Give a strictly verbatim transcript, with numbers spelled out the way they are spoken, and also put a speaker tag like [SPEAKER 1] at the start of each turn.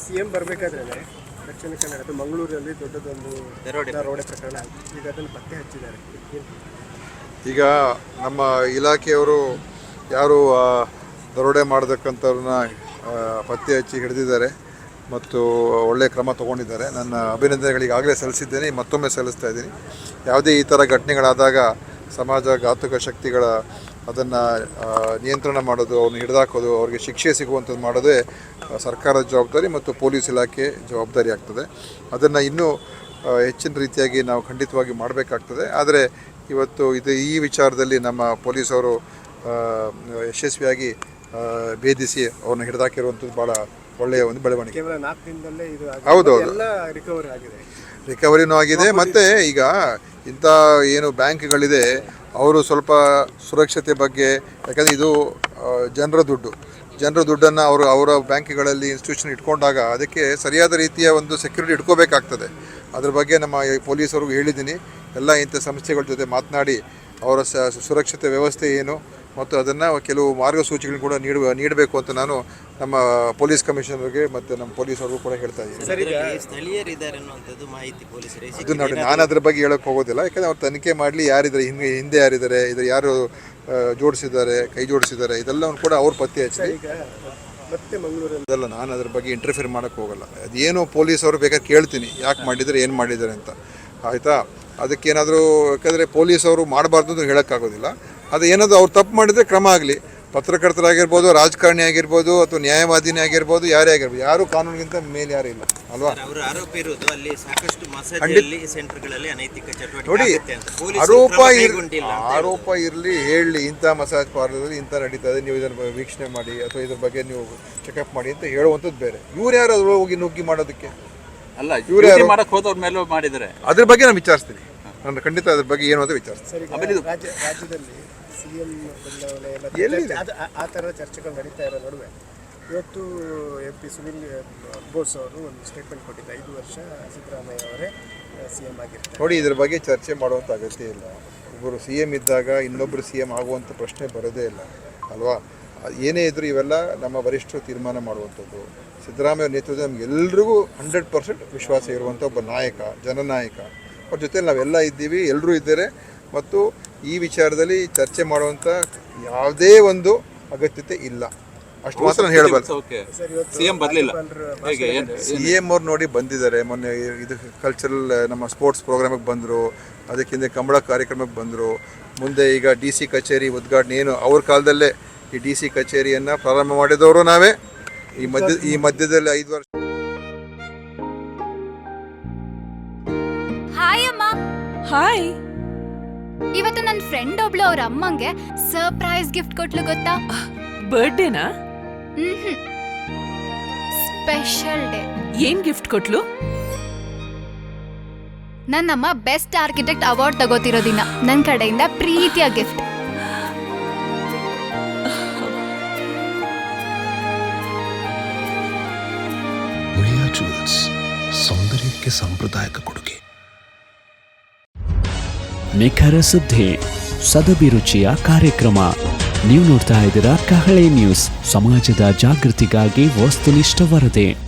[SPEAKER 1] CM ಬರಬೇಕಾದ್ರೆ ದಕ್ಷಿಣ ಕನ್ನಡದ ಮಂಗಳೂರಲ್ಲಿ ದೊಡ್ಡದೊಂದು ದರೋಡೆ ಪ್ರಕರಣ ಈಗ ಅದನ್ನು ಪತ್ತೆ ಹಚ್ಚಿದ್ದಾರೆ.
[SPEAKER 2] ಈಗ ನಮ್ಮ ಇಲಾಖೆಯವರು ಯಾರು ದರೋಡೆ ಮಾಡತಕ್ಕಂಥವ್ರನ್ನ ಪತ್ತೆ ಹಚ್ಚಿ ಹಿಡಿದಿದ್ದಾರೆ ಮತ್ತು ಒಳ್ಳೆಯ ಕ್ರಮ ತೊಗೊಂಡಿದ್ದಾರೆ. ನನ್ನ ಅಭಿನಂದನೆಗಳಿಗಾಗಲೇ ಸಲ್ಲಿಸಿದ್ದೇನೆ, ಮತ್ತೊಮ್ಮೆ ಸಲ್ಲಿಸ್ತಾ ಇದ್ದೀನಿ. ಯಾವುದೇ ಈ ಥರ ಘಟನೆಗಳಾದಾಗ ಸಮಾಜ ಘಾತಕ ಶಕ್ತಿಗಳ ಅದನ್ನು ನಿಯಂತ್ರಣ ಮಾಡೋದು, ಅವ್ರನ್ನ ಹಿಡಿದಾಕೋದು, ಅವ್ರಿಗೆ ಶಿಕ್ಷೆ ಸಿಗುವಂಥದ್ದು ಮಾಡೋದೇ ಸರ್ಕಾರದ ಜವಾಬ್ದಾರಿ ಮತ್ತು ಪೊಲೀಸ್ ಇಲಾಖೆ ಜವಾಬ್ದಾರಿ ಆಗ್ತದೆ. ಅದನ್ನು ಇನ್ನೂ ಹೆಚ್ಚಿನ ರೀತಿಯಾಗಿ ನಾವು ಖಂಡಿತವಾಗಿ ಮಾಡಬೇಕಾಗ್ತದೆ. ಆದರೆ ಇವತ್ತು ಇದು ಈ ವಿಚಾರದಲ್ಲಿ ನಮ್ಮ ಪೊಲೀಸವರು ಯಶಸ್ವಿಯಾಗಿ ಭೇದಿಸಿ ಅವ್ರನ್ನ ಹಿಡಿದಾಕಿರುವಂಥದ್ದು ಭಾಳ ಒಳ್ಳೆಯ ಒಂದು ಬೆಳವಣಿಗೆ.
[SPEAKER 1] ಕೇವಲ ನಾಲ್ಕು ದಿನದಲ್ಲೇ ಇದು
[SPEAKER 2] ಹೌದು,
[SPEAKER 1] ರಿಕವರಿ ಆಗಿದೆ
[SPEAKER 2] ರಿಕವರಿನೂ ಆಗಿದೆ. ಮತ್ತು ಈಗ ಇಂಥ ಏನು ಬ್ಯಾಂಕ್ಗಳಿದೆ ಅವರು ಸ್ವಲ್ಪ ಸುರಕ್ಷತೆ ಬಗ್ಗೆ, ಯಾಕಂದರೆ ಇದು ಜನರ ದುಡ್ಡು ಜನರ ದುಡ್ಡನ್ನು ಅವರು ಅವರ ಬ್ಯಾಂಕ್ಗಳಲ್ಲಿ ಇನ್ಸ್ಟಿಟ್ಯೂಷನ್ ಇಟ್ಕೊಂಡಾಗ ಅದಕ್ಕೆ ಸರಿಯಾದ ರೀತಿಯ ಒಂದು ಸೆಕ್ಯೂರಿಟಿ ಇಟ್ಕೋಬೇಕಾಗ್ತದೆ. ಅದ್ರ ಬಗ್ಗೆ ನಮ್ಮ ಪೊಲೀಸರಿಗೂ ಹೇಳಿದ್ದೀನಿ. ಎಲ್ಲ ಇಂಥ ಸಂಸ್ಥೆಗಳ ಜೊತೆ ಮಾತನಾಡಿ ಅವರ ಸುರಕ್ಷತೆ ವ್ಯವಸ್ಥೆ ಏನು ಮತ್ತು ಅದನ್ನು ಕೆಲವು ಮಾರ್ಗಸೂಚಿಗಳನ್ನು ಕೂಡ ನೀಡುವ ನೀಡಬೇಕು ಅಂತ ನಾನು ನಮ್ಮ ಪೊಲೀಸ್ ಕಮಿಷನರ್ಗೆ ಮತ್ತು ನಮ್ಮ ಪೊಲೀಸರಿಗೂ ಕೂಡ ಹೇಳ್ತಾ ಇದ್ದೀನಿ. ಇದು ನೋಡಿ, ನಾನು ಅದ್ರ ಬಗ್ಗೆ ಹೇಳೋಕ್ಕೆ ಹೋಗೋದಿಲ್ಲ. ಯಾಕಂದರೆ ಅವ್ರು ತನಿಖೆ ಮಾಡಲಿ, ಯಾರಿದ್ದಾರೆ ಹಿಂದೆ ಹಿಂದೆ ಯಾರಿದ್ದಾರೆ, ಇದು ಯಾರು ಜೋಡಿಸಿದ್ದಾರೆ, ಕೈ ಜೋಡಿಸಿದ್ದಾರೆ, ಇದೆಲ್ಲವನ್ನು ಕೂಡ ಅವ್ರು ಪತ್ತೆ ಹಚ್ಚಿ
[SPEAKER 1] ಮತ್ತೆ ಮಂಗಳೂರಲ್ಲಿ
[SPEAKER 2] ಇದೆಲ್ಲ ನಾನು ಅದ್ರ ಬಗ್ಗೆ ಇಂಟರ್ಫಿಯರ್ ಮಾಡೋಕ್ಕೆ ಹೋಗಲ್ಲ. ಅದೇನು ಪೊಲೀಸವರು ಬೇಕಾದ್ರೆ ಕೇಳ್ತೀನಿ, ಯಾಕೆ ಮಾಡಿದ್ದಾರೆ, ಏನು ಮಾಡಿದ್ದಾರೆ ಅಂತ, ಆಯಿತಾ? ಅದಕ್ಕೇನಾದರೂ, ಯಾಕಂದರೆ ಪೊಲೀಸವರು ಮಾಡಬಾರ್ದು ಅಂತ ಹೇಳೋಕ್ಕಾಗೋದಿಲ್ಲ. ಅದು ಏನಾದರೂ ಅವ್ರು ತಪ್ಪು ಮಾಡಿದರೆ ಕ್ರಮ ಆಗಲಿ. ಪತ್ರಕರ್ತರಾಗಿರ್ಬೋದು, ರಾಜಕಾರಣಿ ಆಗಿರ್ಬೋದು, ಅಥವಾ ನ್ಯಾಯವಾದಿನೇ ಆಗಿರ್ಬೋದು, ಯಾರೇ ಆಗಿರ್ಬೋದು, ಯಾರು ಕಾನೂನಿಗಿಂತ ಮೇಲೆ ಯಾರು ಇಲ್ಲ ಅಲ್ವಾ? ನೋಡಿ, ಆರೋಪ ಆರೋಪ ಇರಲಿ, ಹೇಳಲಿ, ಇಂಥ ಮಸಾಜ್ ಪಾರ್ಲರಲ್ಲಿ ಇಂಥ ನಡೀತದೆ, ನೀವು ಇದನ್ನು ವೀಕ್ಷಣೆ ಮಾಡಿ ಅಥವಾ ಇದ್ರ ಬಗ್ಗೆ ನೀವು ಚೆಕಪ್ ಮಾಡಿ ಅಂತ ಹೇಳುವಂಥದ್ದು ಬೇರೆ. ಇವ್ರು ಯಾರು ಅದ್ರ ಹೋಗಿ ನುಗ್ಗಿ ಮಾಡೋದಕ್ಕೆ
[SPEAKER 3] ಅಲ್ಲ, ಇವ್ರು ಯಾರು ಮಾಡಕ್ಕೆ ಹೋದವ್ರ ಮೇಲೆ ಮಾಡಿದರೆ
[SPEAKER 2] ಅದ್ರ ಬಗ್ಗೆ ನಾನು ವಿಚಾರಿಸ್ತೀನಿ. ನಾನು ಖಂಡಿತ ಅದ್ರ ಬಗ್ಗೆ ಏನು ಅಂತ ವಿಚಾರಿಸ್ತೀನಿ.
[SPEAKER 1] ರಾಜ್ಯದಲ್ಲಿ ಸಿಎಂ
[SPEAKER 2] ಎಲ್ಲಿದೆ
[SPEAKER 1] ಆ ಥರದ ಚರ್ಚೆಗಳು ನಡೀತಾ ಇರೋ ನಡುವೆ ಇವತ್ತು ಎಂ ಪಿ ಸುನಿಲ್ ಬೋಸ್ ಅವರು ಒಂದು ಸ್ಟೇಟ್ಮೆಂಟ್ ಕೊಟ್ಟಿದ್ದು, ಐದು ವರ್ಷ ಸಿದ್ದರಾಮಯ್ಯ ಅವರೇ ಸಿ ಎಂ ಆಗಿರ್ತಾರೆ.
[SPEAKER 2] ನೋಡಿ, ಇದ್ರ ಬಗ್ಗೆ ಚರ್ಚೆ ಮಾಡುವಂಥ ಅಗತ್ಯ ಇಲ್ಲ. ಒಬ್ಬರು ಸಿ ಎಂ ಇದ್ದಾಗ ಇನ್ನೊಬ್ಬರು ಸಿ ಎಂ ಆಗುವಂಥ ಪ್ರಶ್ನೆ ಬರೋದೇ ಇಲ್ಲ ಅಲ್ವಾ? ಏನೇ ಇದ್ದರೂ ಇವೆಲ್ಲ ನಮ್ಮ ವರಿಷ್ಠರು ತೀರ್ಮಾನ ಮಾಡುವಂಥದ್ದು. ಸಿದ್ದರಾಮಯ್ಯ ನೇತೃತ್ವದ ನಮಗೆಲ್ರಿಗೂ ಹಂಡ್ರೆಡ್ ಪರ್ಸೆಂಟ್ ವಿಶ್ವಾಸ ಇರುವಂಥ ಒಬ್ಬ ನಾಯಕ, ಜನನಾಯಕ. ಅವ್ರ ಜೊತೆಲಿ ನಾವೆಲ್ಲ ಇದ್ದೀವಿ, ಎಲ್ಲರೂ ಇದ್ದಾರೆ. ಮತ್ತು ಈ ವಿಚಾರದಲ್ಲಿ ಚರ್ಚೆ ಮಾಡುವಂಥ ಯಾವುದೇ ಒಂದು ಅಗತ್ಯತೆ ಇಲ್ಲ. ಅಷ್ಟು ಮಾತ್ರ ನಾನು ಹೇಳಬಾರ್ದು.
[SPEAKER 3] ಸಿ ಎಂ ಬರಲಿಲ್ಲ,
[SPEAKER 2] ಸಿ ಎಂ ಅವ್ರು ನೋಡಿ ಬಂದಿದ್ದಾರೆ. ಮೊನ್ನೆ ಇದು ಕಲ್ಚರಲ್ ನಮ್ಮ ಸ್ಪೋರ್ಟ್ಸ್ ಪ್ರೋಗ್ರಾಮಿಗೆ ಬಂದರು, ಅದಕ್ಕಿಂತ ಕಂಬಳ ಕಾರ್ಯಕ್ರಮಕ್ಕೆ ಬಂದರು. ಮುಂದೆ ಈಗ ಡಿ ಸಿ ಕಚೇರಿ ಉದ್ಘಾಟನೆ, ಏನು ಅವ್ರ ಕಾಲದಲ್ಲೇ ಈ ಡಿ ಸಿ ಕಚೇರಿಯನ್ನು ಪ್ರಾರಂಭ ಮಾಡಿದವರು ನಾವೇ. ಈ ಮಧ್ಯ ಈ ಮಧ್ಯದಲ್ಲಿ ಐದು ವರ್ಷ.
[SPEAKER 4] ಹಾಯ್ ಅಮ್ಮ.
[SPEAKER 5] ಹಾಯ್.
[SPEAKER 4] ಇವತ್ತು ನನ್ನ ಫ್ರೆಂಡ್ ಒಬ್ಳು ಅವ್ರ ಅಮ್ಮಂಗೆ ಸರ್ಪ್ರೈಸ್ ಗಿಫ್ಟ್ ಕೊಟ್ಲು, ಗೊತ್ತಾ?
[SPEAKER 5] ಬರ್ಡೇನಾ?
[SPEAKER 4] Hmm, special day.
[SPEAKER 5] ಏನ್ ಗಿಫ್ಟ್ ಕೊಟ್ಲು?
[SPEAKER 4] ನನ್ನಮ್ಮ ಬೆಸ್ಟ್ ಆರ್ಕಿಟೆಕ್ಟ್ ಅವಾರ್ಡ್ ತಗೋತಿರೋ ದಿನ ನನ್ನ ಕಡೆಯಿಂದ ಪ್ರೀತಿಯ ಗಿಫ್ಟ್.
[SPEAKER 6] ಮುಳಿಯಾ ಜುವೆಲ್ಸ್, ಸೌಂದರ್ಯಕ್ಕೆ ಸಾಂಪ್ರದಾಯಿಕ ಕೊಡುಗೆ.
[SPEAKER 7] ನಿಖರ ಸುದ್ದಿ, ಸದಭಿರುಚಿಯ ಕಾರ್ಯಕ್ರಮ. ನೀವು ನೋಡ್ತಾ ಇದ್ದೀರಾ ಕಹಳೆ ನ್ಯೂಸ್, ಸಮಾಜದ ಜಾಗೃತಿಗಾಗಿ ವಸ್ತುನಿಷ್ಠ ವರದಿ.